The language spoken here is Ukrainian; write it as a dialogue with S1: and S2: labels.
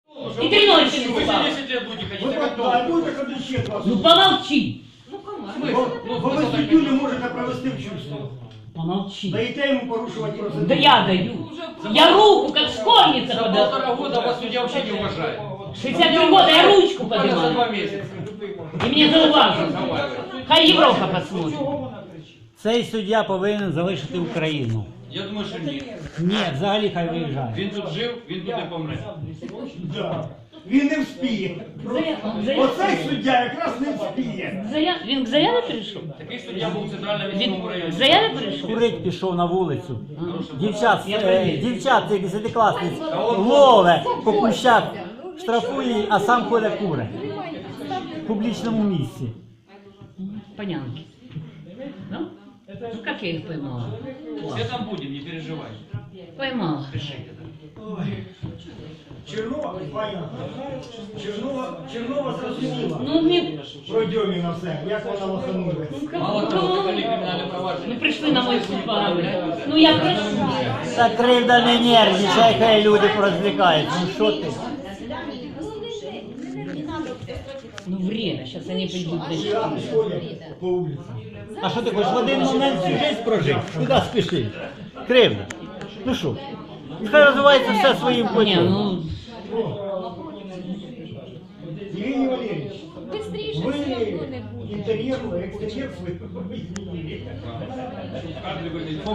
S1: И 3 ночи не
S2: Вы
S1: спал.
S2: 10 лет будете ходить,
S3: Вы
S2: так
S3: а
S2: кто?
S3: будете ходити ще 20
S1: Ну помолчи.
S3: Бо ви суддю не можете провести в чувство.
S1: Помолчи.
S3: Даєте йому порушувати процедуру.
S1: Да я даю. Я руку, как школьница
S2: За
S1: подала.
S2: 1,5 года вас судья вообще не уважает.
S1: 63 года я ручку
S2: Буквально за 2
S1: поднимаю.
S2: месяца.
S1: И мне зауважили. Хай Европа посмотрит.
S4: Цей суддя повинен залишити Україну.
S2: Я думаю, що ні.
S4: Ні, взагалі хай виїжджає.
S2: Він тут жив, він тут і помре.
S3: Да. Він не вспіє. Оцей суддя якраз не вспіє.
S1: Він к заяве прийшов?
S2: Такий суддя був в центральному
S1: Він
S2: міському
S1: к
S2: районі.
S1: заяве прийшов?
S4: Курить пішов на вулицю.
S1: Я проверю.
S4: Дівчат, цих 10-класниць, лове по кущах, штрафує, а сам ходить куре. В публічному місці.
S1: Понятно. Ну? Ну как я их поймала?
S2: Все там будем, не переживай.
S1: Поймала.
S2: Пишите.
S3: Чернова, понятно. Чернова зрозуміла.
S1: Ну мне...
S3: Про Дьоміна все, як вона лоханулась.
S2: Мало того, закрыли криминальное провадження.
S1: Ну пришли на мой суд поговорить. Ну я прошу.
S4: Та кривда не нервничай, хай люди порозвлікаються. Ну що ти?
S1: Ну время, сейчас они придут.
S3: Там ходять по вулиці.
S4: А що ти хочеш в один момент всю життя прожити? Куди спішиш? Кривда. Ну що? Хай розвивається все своїм
S1: Не,
S4: путем.
S1: ну...
S3: Євгеній Валерійович,
S5: Быстріше
S3: ви
S5: все одно не буде.
S3: інтер'єр, екстер'єр свій змінили.
S2: Кадры были